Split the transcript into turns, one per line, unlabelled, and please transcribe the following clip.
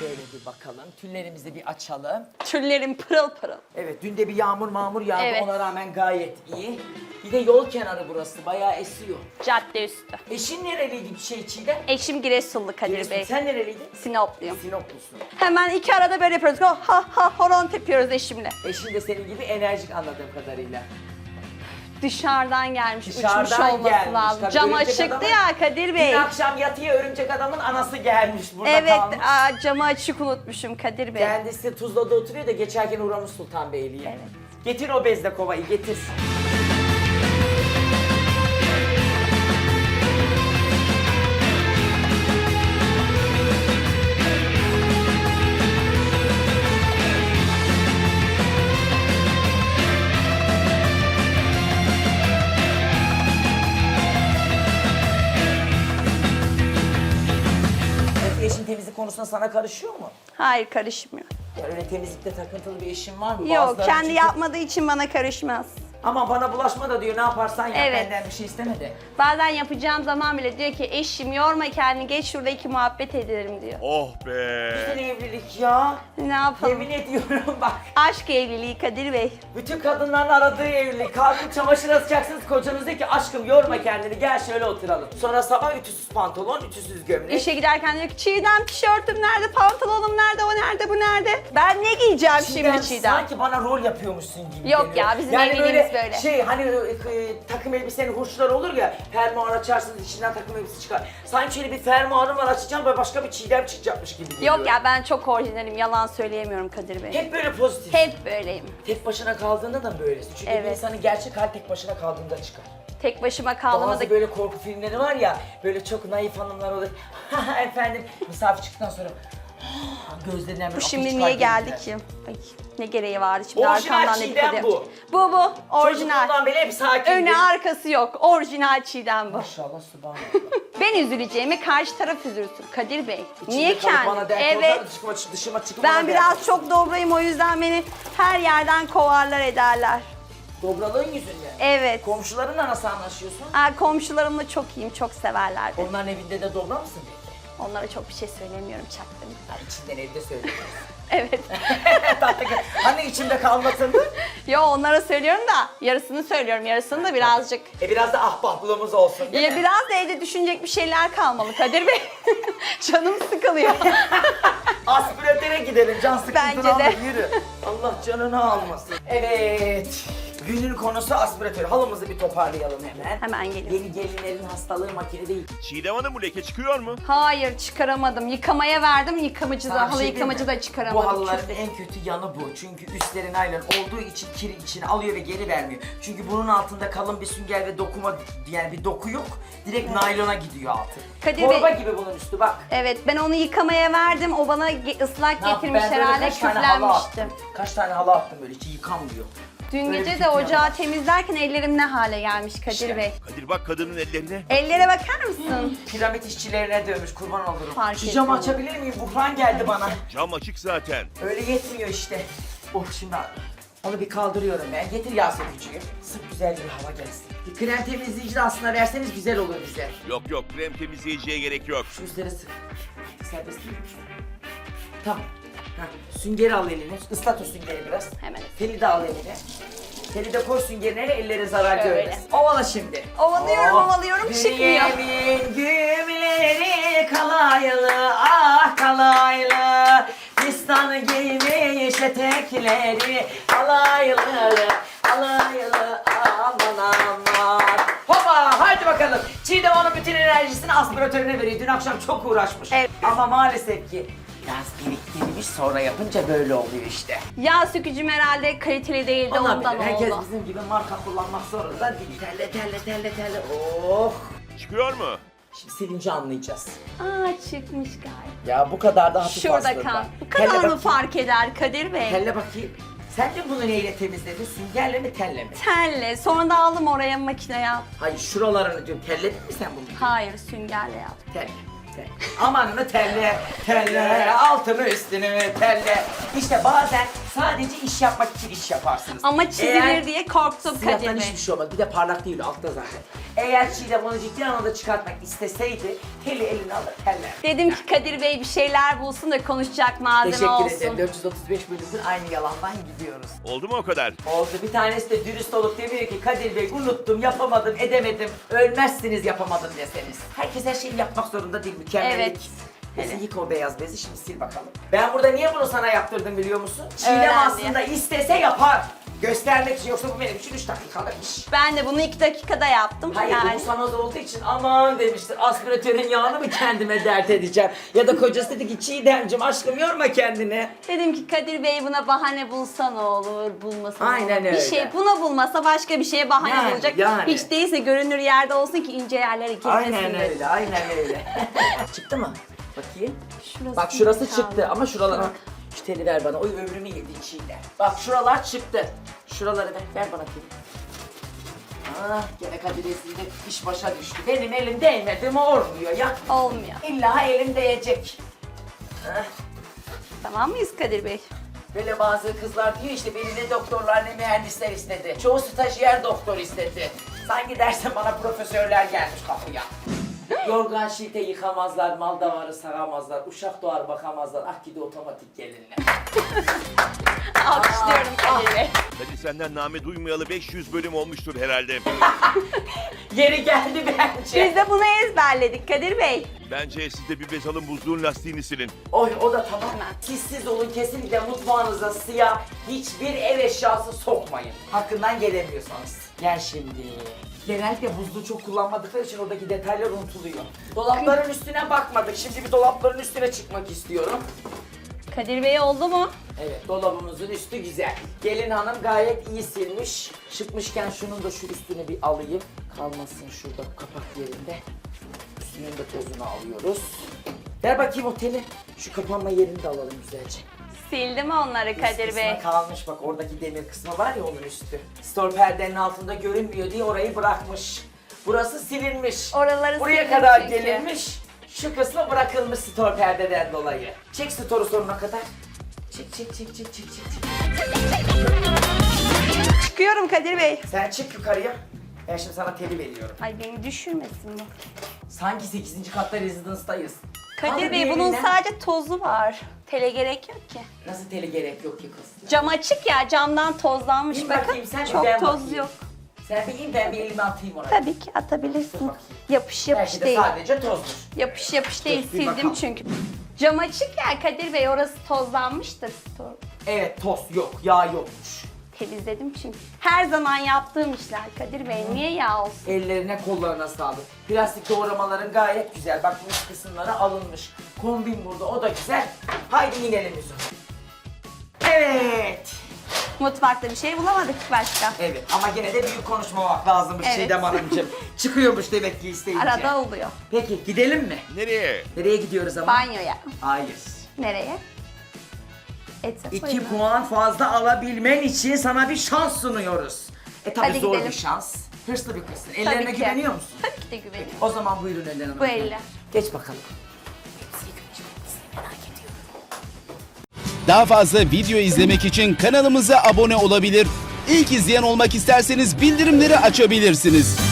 Şöyle bir bakalım. Tüllerimizi bir açalım.
Tüllerim pırıl pırıl.
Evet, dün de bir yağmur yağdı.
Evet.
Ona rağmen gayet iyi. Bir de yol kenarı burası. Bayağı esiyor.
Cadde üstü.
Eşin nereliydi bir şey Çiğdem?
Eşim Giresunlu Kadir
Giresun.
Bey.
Sen nereliydin?
Sinopluyum.
Sinoplusun.
Hemen iki arada böyle yapıyoruz. Ha ha horon tepiyoruz eşimle.
Eşin de senin gibi enerjik anladığım kadarıyla.
Dışarıdan gelmiş, uçmuş
Dışarıdan
olması
gelmiş.
lazım.
Tabii
Cam
örümcek
açıktı
adamın-
ya Kadir Bey.
Dün akşam yatıya örümcek adamın anası gelmiş burada
Evet,
kalmış.
camı açık unutmuşum Kadir Bey.
Kendisi Tuzla'da oturuyor da geçerken uğramış Sultanbeyli'ye.
Evet.
Getir o bezle kovayı getir. Eşin temizlik konusunda sana karışıyor mu?
Hayır karışmıyor.
Ya öyle temizlikte takıntılı bir eşin var mı?
Yok
Bazıları
kendi
çünkü-
yapmadığı için bana karışmaz.
Ama bana bulaşma da diyor ne yaparsan yap
Evet.
benden bir şey isteme de.
Bazen yapacağım zaman bile diyor ki eşim yorma kendini geç şurada iki muhabbet edelim diyor.
Oh be.
Güzel evlilik ya.
Ne yapalım?
Yemin ediyorum bak.
Aşk evliliği Kadir Bey.
Bütün kadınların aradığı evlilik. Kalkıp çamaşır asacaksınız kocanız diyor ki aşkım yorma kendini gel şöyle oturalım. Sonra sabah ütüsüz pantolon, ütüsüz gömlek.
İşe giderken diyor ki Çiğdem tişörtüm nerede, pantolonum nerede, o nerede, bu nerede? Ben ne giyeceğim şimdi Çiğdem?
Sanki bana rol yapıyormuşsun gibi
Yok
geliyor.
ya, bizim evliliğimiz böyle.
Şey hani takım elbisenin hurçları olur ya fermuar açarsınız içinden takım elbise çıkar. Sanki şöyle bir fermuarım var açacağım böyle başka bir Çiğdem çıkacakmış gibi geliyor.
Yok ya ben çok orijinalim, yalan söyleyemiyorum Kadir Bey.
Hep böyle pozitif.
Hep böyleyim.
Tek başına kaldığında da böylesin. Çünkü bir
Evet.
insanın gerçek hali tek başına kaldığında çıkar.
Tek başıma kaldığımda
Bazı
da...
böyle korku filmleri var ya, böyle çok naif hanımlar olur. Efendim, misafir çıktıktan sonra gözlerinden böyle
Bu
akış
şimdi
çıkar
niye geldi
gözler.
ki? Ay, ne gereği vardı şimdi
Orijinal
arkamdan
Çiğdem
dedikodu
bu.
yapacak. Bu, orijinal.
Çocukluğundan beri hep sakindi.
Önü arkası yok, orijinal Çiğdem bu.
Maşallah subhanallah.
Ben üzüleceğimi karşı taraf üzülsün Kadir Bey.
İçinde
Niye
kalıp
kendi?
bana dert
Evet.
olsa dışıma çıkıp
Ben
bana
biraz
dert
çok
olsun.
dobrayım o yüzden beni her yerden kovarlar ederler.
Dobralığın yüzünden.
Evet.
Komşularınla nasıl anlaşıyorsun?
Komşularımla çok iyiyim, çok severler beni.
Onların evinde de dobra mısın peki?
Onlara çok bir şey söylemiyorum çaktım.
Ha, içinden evde söylüyorsun.
Evet.
Tatlı kız. Hani içimde kalmasındı?
Yo onlara söylüyorum da yarısını söylüyorum, yarısını da birazcık.
Biraz da ahbaplığımız olsun değil
Ya
mi?
biraz da evde düşünecek bir şeyler kalmalı Kadir Bey. Canım sıkılıyor.
Aspiratöre gidelim, can sıkıntını
Bence de.
alır, yürü. Allah canını almasın. Evet, günün konusu aspiratör. Halımızı bir toparlayalım hemen.
Hemen geliyorum.
Yeni gelinlerin hastalığı makine değil.
Çiğdem Hanım bu leke çıkıyor mu?
Hayır çıkaramadım. Yıkamaya verdim yıkamacı
Sana
da.
bir
Halı
şey
yıkamacı
diyeyim mi?
da çıkaramadım.
Bu halıların
çünkü.
en kötü yanı bu. Çünkü üstleri naylon olduğu için kiri içine alıyor ve geri vermiyor. Çünkü bunun altında kalın bir sünger ve dokuma, yani bir doku yok. Direkt naylona gidiyor altı.
Kadir
Torba
Bey-
gibi bunun üstü bak.
Evet ben onu yıkamaya verdim. O bana ıslak
Ne yaptım?
getirmiş
Ben böyle
herhalde
kaç tane halı
küflenmiştim.
attım. Kaç tane halı attım böyle hiç yıkanmıyor.
Dün
Böyle bir
gece de
fikrim
ocağı
var.
temizlerken ellerim ne hale gelmiş Kadir
İşte.
Bey.
Kadir bak kadının ellerine.
Ellere bakar mısın?
Piramit işçilerine dövmüş kurban olurum.
Fark
Şu camı
etmiyorum.
açabilir miyim? Buhran geldi bana.
Cam açık zaten.
Öyle yetmiyor işte. Oh şimdi onu bir kaldırıyorum ben. Getir yağ sökücüyü. Sık güzel bir hava gelsin. Bir krem temizleyici de aslında verseniz güzel olur bize.
Yok yok krem temizleyiciye gerek yok.
Şu üstleri sık. Serbest değil mi? Tamam. Süngeri al eline. Islat o süngeri biraz.
Hemen.
Teli de al eline. Teli de koy süngerine ellere zarar
Şöyle.
görmesin. Ovala şimdi.
Ovalıyorum, ovalıyorum, çıkmıyor.
Dünyemin gümleri kalaylı, ah kalaylı. Fistanı giymiş etekleri alaylı, alaylı, aman aman. Hopa haydi bakalım. Çiğdem onun bütün enerjisini aspiratörüne veriyor. Dün akşam çok uğraşmış.
Evet.
Ama maalesef ki biraz biriktirmiş sonra yapınca böyle oluyor işte.
Yağ sökücüm herhalde kaliteli değildi ondan
Olabilir. Herkes
oldu.
bizim gibi marka kullanmak zorunda değil. Terle terle terle terle. Oh.
Çıkıyor mu?
Şimdi silince anlayacağız.
Çıkmış galiba.
Ya bu kadar da hafif
Şurada
aslında.
kal. Bu
Telle
kadar mı
bakayım.
fark eder Kadir Bey?
Telle bakayım. Sen de bunu neyle temizledin? Süngerle mi telle mi?
Telle. Sonra da aldım oraya makineye.
Hayır şuralarını diyorum. Telledin mi sen bunu?
Hayır süngerle yaptım.
Telle. Amanını telle, telle, altını üstünü telle. İşte bazen Sadece iş yapmak için iş yaparsınız.
Ama çizilir
Eğer
diye korktum Kadir
siyahtan
Bey.
hiçbir şey olmaz. Bir de parlak değil altta zaten. Eğer Çiğdem onu ciddi anlamda çıkartmak isteseydi teli eline alır teller.
Dedim ki Kadir Bey bir şeyler bulsun da konuşacak malzeme
Teşekkür
olsun.
ederim. 435 bölümdür aynı yalandan gidiyoruz.
Oldu mu o kadar?
Oldu. Bir tanesi de dürüst olup demiyor ki Kadir Bey unuttum, yapamadım, edemedim. Ölmezsiniz yapamadım deseniz. Herkes her şeyi yapmak zorunda değil. Mükemmellik.
Evet.
Neyse yık o beyaz bezi şimdi sil bakalım. Ben burada niye bunu sana yaptırdım biliyor musun? Çiğdem
Öğrendi.
aslında istese yapar. Göstermek için, yoksa bu benim için 3 dakikalık iş.
Ben de bunu 2 dakikada yaptım.
Hayır
yani.
bu sana da olduğu için aman demiştir. Aspiratörün yağını mı kendime dert edeceğim? Ya da kocası dedi ki Çiğdemciğim aşkım yorma kendini.
Dedim ki Kadir Bey buna bahane bulsa ne olur, bulmasa ne
Aynen
olur.
öyle.
Bir şey buna bulmasa başka bir şeye bahane
Yani,
bulacak.
yani.
Hiç değilse görünür yerde olsun ki ince yerlere girmesin.
Aynen
diye.
öyle, aynen öyle. Çıktı mı? Bakayım.
Şurası
Bak şurası
kaldı.
çıktı ama şuralara... Şu teli ver bana, oy ömrümü yedin Çiğdem. Bak şuralar çıktı. Şuraları ver bana teli. Ah gene Kadir Ezgi'de iş başa düştü. Benim elim değmedi mi olmuyor ya.
Olmuyor.
İlla elim değecek. Ah.
Tamam mıyız Kadir Bey?
Böyle bazı kızlar diyor işte beni ne doktorlar ne mühendisler istedi. Çoğu stajyer doktor istedi. Sanki dersen bana profesörler gelmiş kapıya. Yorgan şilte yıkamazlar, mal davarı saramazlar, uşak doğar bakamazlar, ah gidi otomatik gelinle.
Alkışlıyorum Kadir Bey.
Hadi senden name duymayalı 500 bölüm olmuştur herhalde.
Geri geldi bence.
Biz de bunu ezberledik Kadir Bey.
Bence siz de bir bez alın buzluğun lastiğini silin.
Oy o da tamam. Siz olun kesinlikle mutfağınıza siyah hiçbir ev eşyası sokmayın. Hakkından gelemiyorsanız. Gel şimdi. Genellikle buzluğu çok kullanmadıkları için oradaki detaylar unutuluyor. Dolapların üstüne bakmadık. Şimdi bir dolapların üstüne çıkmak istiyorum.
Kadir Bey oldu mu?
Evet, dolabımızın üstü güzel. Gelin hanım gayet iyi silmiş. Çıkmışken şunun da şu üstünü bir alayım. Kalmasın şurada kapak yerinde. Üstünün de tozunu alıyoruz. Ver bakayım o teli. Şu kapanma yerini de alalım güzelce.
Sildim onları Kadir
Üst
Bey.
kısmı kalmış bak, oradaki demir kısmı var ya onun üstü. Store perdenin altında görünmüyor diye orayı bırakmış. Burası silinmiş.
Oraları
Buraya
sildim
kadar
çünkü.
gelinmiş. Şu kısmı bırakılmış store perdeden dolayı. Çek store'u sonuna kadar. Çek.
Çıkıyorum Kadir Bey.
Sen çık yukarıya. Ben şimdi sana teli veriyorum.
Ay beni düşürmesin bu.
Sanki 8. katta rezidanstayız.
Kadir Bey bunun sadece tozu var. Tele gerek yok ki.
Nasıl teli gerek yok ki kız?
Cam açık ya, camdan tozlanmış.
Bir
Bakın
bakayım, sen bir
çok
ben
toz
bakayım.
yok.
Sen bir in, ben bir elimi atayım oraya.
Tabii ki atabilirsin.
Dur bakayım.
Yapış
Belki
yapış
de
değil.
sadece tozdur.
Yapış yapış değil,
bir
sildim
bakalım.
çünkü. Cam açık ya Kadir Bey, orası tozlanmıştır.
Evet, toz yok, yağ yokmuş.
Temizledim çünkü. Her zaman yaptığım işler Kadir Bey, niye yağ olsun?
Ellerine kollarına sağlık. Plastik doğramaların gayet güzel. Bak üst kısımları alınmış. Kombin burada, o da güzel. Haydi inelim yüzüne. Evet.
Mutfakta bir şey bulamadık başka.
Evet ama gene de büyük konuşmamak lazımmış
Evet.
Çiğdem Hanımcığım. Çıkıyormuş demek ki isteyince.
Arada oluyor.
Peki gidelim mi?
Nereye?
Nereye gidiyoruz ama?
Banyoya.
Hayır.
Nereye? Ete
2 puan fazla alabilmen için sana bir şans sunuyoruz. Tabii
Hadi
zor
gidelim.
bir şans. Hırslı bir kızsın. Ellerine
ki.
güveniyor musun?
Tabii ki de güveniyorum.
O zaman buyurun Ellen Hanım.
Bu elle.
Geç bakalım.
Daha fazla video izlemek için kanalımıza abone olabilir. İlk izleyen olmak isterseniz bildirimleri açabilirsiniz.